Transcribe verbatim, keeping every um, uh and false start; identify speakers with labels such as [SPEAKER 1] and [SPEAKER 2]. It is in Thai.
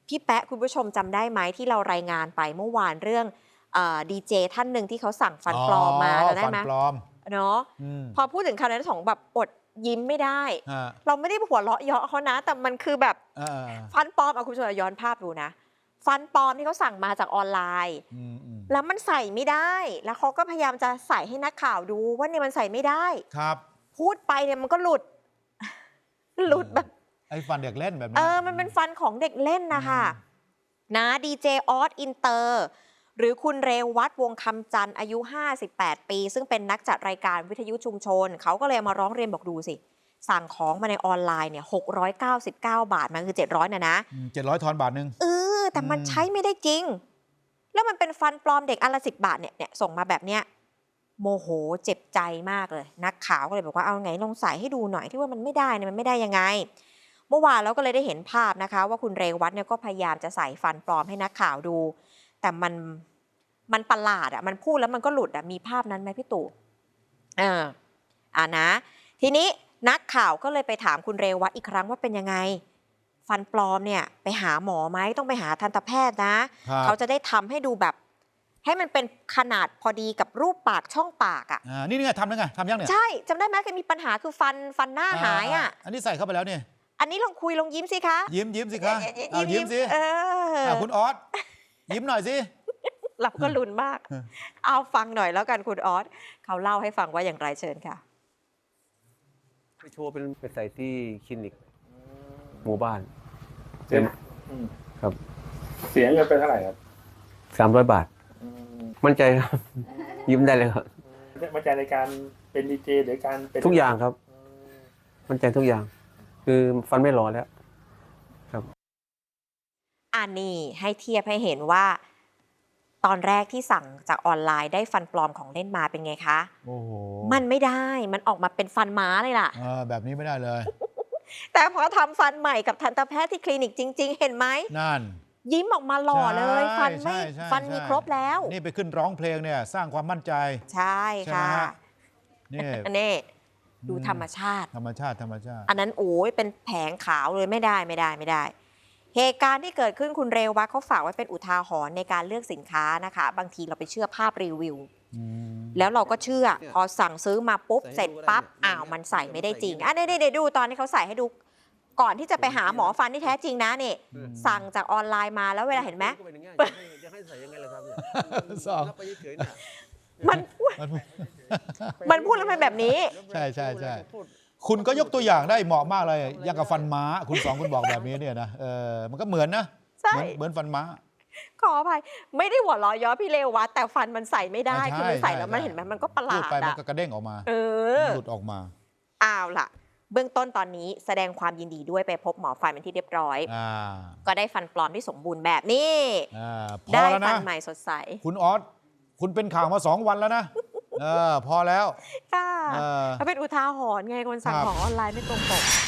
[SPEAKER 1] พี่แป๊ะคุณผู้ชมจำได้ไหมที่เรารายงานไปเมื่อวานเรื่องดีเจท่านหนึ่งที่เขาสั่งฟันปลอมมาเราได้ไหมฟันปลอมเนาะพอพูดถึงคำนั้นสองแบบอดยิ้มไม่ได้เราไม่ได้หัวเราะเยาะเขานะแต่มันคือแบบฟันปลอมเอาคุณผู้ชมย้อนภาพดูนะฟันปลอมที่เขาสั่งมาจากออนไลน์แล้วมันใส่ไม่ได้แล้วเขาก็พยายามจะใส่ให้นักข่าวดูว่าเนี่ยมันใส่ไม่ได้ครับพูดไปเนี่ยมันก็หลุดหลุดแบบ
[SPEAKER 2] ไอ้ฟันเด็กเล่นแบบนี้
[SPEAKER 1] เออมันเป็นฟันของเด็กเล่นนะคะนะดีเจออสอินเตอร์หรือคุณเรวัตวงคำจันทร์อายุห้าสิบแปดปีซึ่งเป็นนักจัดรายการวิทยุชุมชนเขาก็เลยมาร้องเรียนบอกดูสิสั่งของมาในออนไลน์เนี่ยหกร้อยเก้าสิบเก้าบาทมันคือเจ็ดร้อยนะนะ
[SPEAKER 2] เจ็ดร้อยทอนบาทนึง
[SPEAKER 1] เออแต่มันใช้ไม่ได้จริงแล้วมันเป็นฟันปลอมเด็กอันละสิบบาทเนี่ยเนี่ยส่งมาแบบเนี้ยโมโหเจ็บใจมากเลยนักข่าวก็เลยบอกว่าเอาไงลองใส่ให้ดูหน่อยที่ว่ามันไม่ได้เนี่ยมันไม่ได้ยังไงเมื่อวานเราก็เลยได้เห็นภาพนะคะว่าคุณเรวัตเนี่ยก็พยายามจะใส่ฟันปลอมให้นักข่าวดูแต่มันมันประหลาดอ่ะมันพูดแล้วมันก็หลุดอ่ะมีภาพนั้นไหมพี่ตู่เอออ่านะทีนี้นักข่าวก็เลยไปถามคุณเรวัตอีกครั้งว่าเป็นยังไงฟันปลอมเนี่ยไปหาหมอไหมต้องไปหาทันตแพทย์นะเขาจะได้ทำให้ดูแบบให้มันเป็นขนาดพอดีกับรูปปากช่องปากอ่ะ
[SPEAKER 2] อ่านี่ไงทำแล้วไงทำยังเนี่ย
[SPEAKER 1] ใช่จำได้ไหมเคยมีปัญหาคือฟันฟันหน้าหายอ่ะ
[SPEAKER 2] อันนี้ใส่เข้าไปแล้วเนี่ย
[SPEAKER 1] อันนี้ลองคุยลองยิ้มสิคะ
[SPEAKER 2] ยิ้มยิ้มสิคะเอายิ้มสิ
[SPEAKER 1] เออ
[SPEAKER 2] คุณออสยิ้มหน่อยสิ
[SPEAKER 1] เราก็ลุ้นมากเอาฟังหน่อยแล้วกันคุณออสเขาเล่าให้ฟังว่าอย่างไรเชิญค่ะ
[SPEAKER 3] ไปโชว์เป็นไปใส่ที่คลินิกหมู่บ้าน
[SPEAKER 4] เสีย
[SPEAKER 3] ครับ
[SPEAKER 4] เสียเงินไปเท่าไหร่ครับ
[SPEAKER 3] สามร้อยบาทมั่นใจครับยิ้มได้เลยครับ
[SPEAKER 4] มั่นใจในการเป็นดีเจหรือการเป็น
[SPEAKER 3] ทุกอย่างครับมั่นใจทุกอย่างคือฟันไม่รอแล้วครับ
[SPEAKER 1] อันนี้ให้เทียบให้เห็นว่าตอนแรกที่สั่งจากออนไลน์ได้ฟันปลอมของเล่นมาเป็นไงคะ
[SPEAKER 2] โอ้โห
[SPEAKER 1] มันไม่ได้มันออกมาเป็นฟันม้าเลยล่ะ
[SPEAKER 2] แบบนี้ไม่ได้เลย
[SPEAKER 1] แต่พอทำฟันใหม่กับทันตแพทย์ที่คลินิกจริงๆเห็นไหม
[SPEAKER 2] นั่น
[SPEAKER 1] ยิ้มออกมาหล่อเลยฟันไม่ฟันมีครบแล้ว
[SPEAKER 2] นี่ไปขึ้นร้องเพลงเนี่ยสร้างความมั่นใจ
[SPEAKER 1] ใช่ค่ะ
[SPEAKER 2] นี่
[SPEAKER 1] อันนี้ดูธรรมชาติ
[SPEAKER 2] ธรรมชาติธรรมชาติ
[SPEAKER 1] อันนั้นโอ้ยเป็นแผงขาวเลยไม่ได้ไม่ได้ไม่ได้เหตุการณ์ที่เกิดขึ้นคุณเรวัตเขาฝากไว้เป็นอุทาหรณ์ในการเลือกสินค้านะคะบางทีเราไปเชื่อภาพรีวิวแล้วเราก็เชื่อพอสั่งซื้อมาปุ๊บเสร็จปั๊บอ้าวมันใส่ไม่ได้จริงอ่ะเดี๋ยวดูตอนที่เขาใส่ให้ดูก่อนที่จะไปหาหมอฟันที่แท้จริงนะนี่สั่งจากออนไลน์มาแล้วเวลาเห็นไหมมันมันพูดแล้วมันแบบนี้
[SPEAKER 2] ใช่ใช่ใช่คุณก็ยกตัวอย่างได้เหมาะมากเลยอย่างกับฟันม้าคุณสองคุณบอกแบบนี้เนี่ยนะเออมันก็เหมือนนะเหมือนฟันม้า
[SPEAKER 1] ขออภัยไม่ได้หัวเราะย้อพี่เลววัดแต่ฟันมันใส่ไม่ได้คือมันใส่แล้วมันเห็นไหมมันก็ประหลาด
[SPEAKER 2] ไปมันก็กระเด้งออกมา
[SPEAKER 1] เออ
[SPEAKER 2] หลุดออกมา
[SPEAKER 1] อ้าวล่ะเบื้องต้นตอนนี้แสดงความยินดีด้วยไปพบหมอฟันเป็นที่เรียบร้อยก็ได้ฟันปลอมที่สมบูรณ์แบบนี้ได้ฟันใหม่สดใส
[SPEAKER 2] คุณออสคุณเป็นข่าวมาสองวันแล้วนะเออพอแล้ว
[SPEAKER 1] ค่ะเป็นอุทาหรณ์ไงคนสั่งของออนไลน์ไม่ตรงปก